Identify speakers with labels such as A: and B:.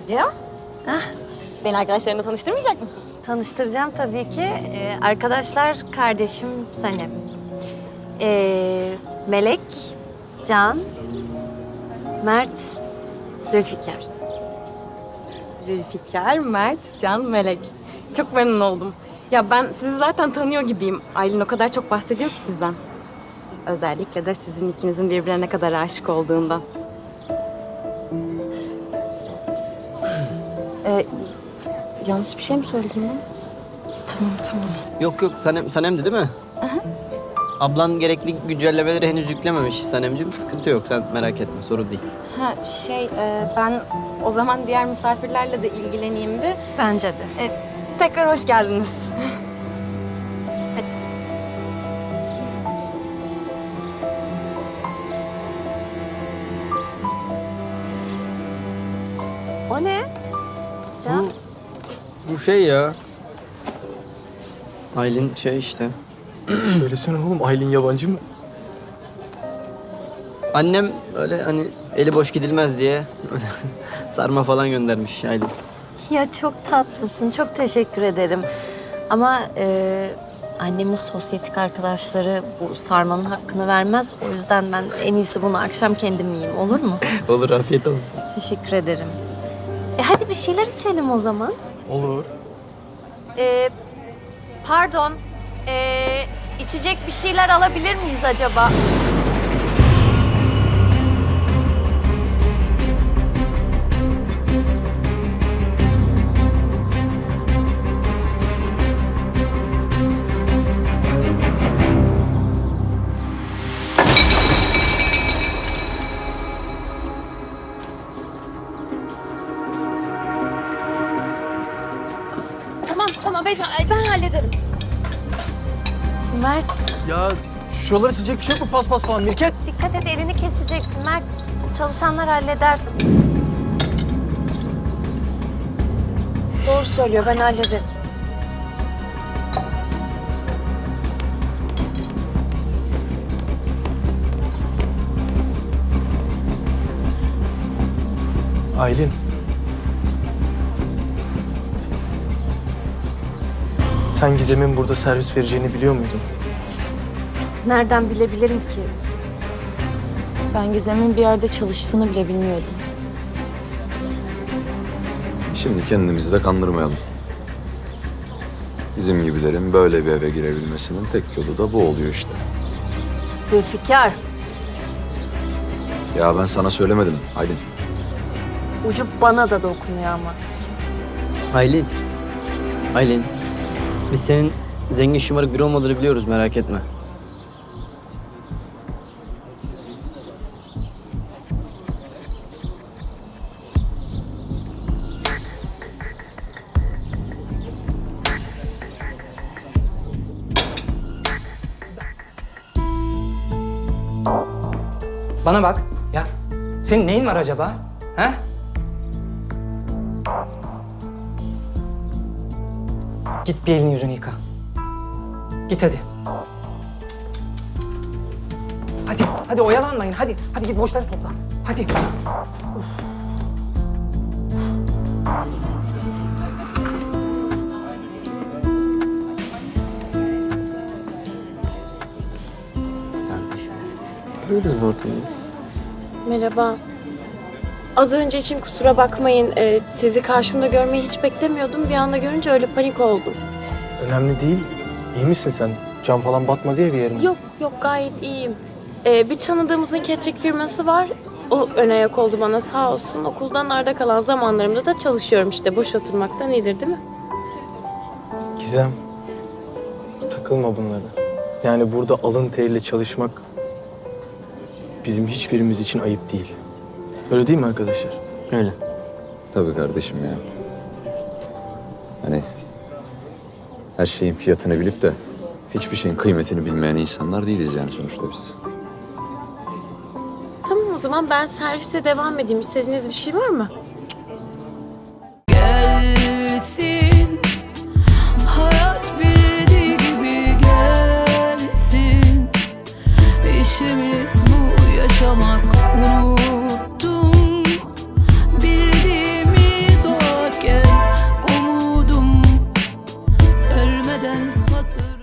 A: Karıcığım.
B: Hah,
A: Beni arkadaşlarına tanıştırmayacak mısın?
B: tanıştıracağım tabii ki. Arkadaşlar, kardeşim Sanem. Melek, Can, Mert, Zülfikar.
A: Zülfikar, Mert, Can, Melek. Çok memnun oldum. Ya ben sizi zaten tanıyor gibiyim. Aylin o kadar çok bahsediyor ki sizden. Özellikle de sizin ikinizin birbirine ne kadar aşık olduğundan. Yanlış bir şey mi söyledim ben? Tamam.
C: Yok Sanem'di değil mi? Ablan gerekli güncellemeleri henüz yüklememiş Sanemciğim. Sıkıntı yok, sen merak etme, sorun değil.
A: Ha ben o zaman diğer misafirlerle de ilgileneyim bir.
B: Bence de.
A: Tekrar hoş geldiniz.
B: Hadi. O ne? Can?
C: Bu şey ya. Aylin şey işte.
D: Söylesene oğlum, Aylin yabancı mı?
C: Annem öyle hani eli boş gidilmez diye sarma falan göndermiş Aylin.
B: Ya çok tatlısın, çok teşekkür ederim. Ama annemin sosyetik arkadaşları bu sarmanın hakkını vermez. O yüzden ben en iyisi bunu akşam kendim yiyeyim, olur mu?
C: Olur, afiyet olsun.
B: Teşekkür ederim. Hadi bir şeyler içelim o zaman.
D: Olur.
B: Pardon, içecek bir şeyler alabilir miyiz acaba?
A: Tamam beyefendi ben hallederim.
B: Mert,
D: Ya şuraları silecek bir şey yok mu? Paspas falan, Mirket.
B: dikkat et, elini keseceksin. Mert, çalışanlar halleder. Doğru söylüyor, ben hallederim.
D: Aylin. Sen Gizem'in burada servis vereceğini biliyor muydun?
B: Nereden bilebilirim ki?
E: Ben Gizem'in bir yerde çalıştığını bile bilmiyordum.
F: Şimdi kendimizi de kandırmayalım. Bizim gibilerin böyle bir eve girebilmesinin tek yolu da bu oluyor işte.
B: Zülfikar,
F: Ya ben sana söylemedim Aylin.
B: ucu bana da dokunuyor ama.
C: Aylin. Biz senin zengin şımarık biri olmadığını biliyoruz, merak etme.
G: Bana bak ya. Senin neyin var acaba? Ha? Git bir elini yüzünü yıka. Git hadi. Hadi oyalanmayın. Hadi git boşları topla. Hadi.
C: Buyurun ortamı.
E: Merhaba. Az önce için kusura bakmayın. Sizi karşımda görmeyi hiç beklemiyordum. Bir anda görünce öyle panik oldum.
D: Önemli değil. İyi misin sen? Cam falan batmadı ya bir yerine.
E: Yok gayet iyiyim. Bir tanıdığımızın catering firması var. O ön ayak oldu bana sağ olsun. Okuldan arda kalan zamanlarımda da çalışıyorum işte. Boş oturmaktan iyidir değil mi?
D: Gizem, takılma bunlara. Yani burada alın teriyle çalışmak bizim hiçbirimiz için ayıp değil. Öyle değil mi arkadaşlar?
C: Öyle.
F: Tabii kardeşim ya. Hani her şeyin fiyatını bilip de hiçbir şeyin kıymetini bilmeyen insanlar değiliz yani sonuçta biz.
E: Tamam o zaman ben servise devam edeyim. İstediğiniz bir şey var mı?
H: Gelsin, hayat bildiği gibi gelsin. İşimiz bu yaşamak, unuttum bildiğimi bitmeden hatır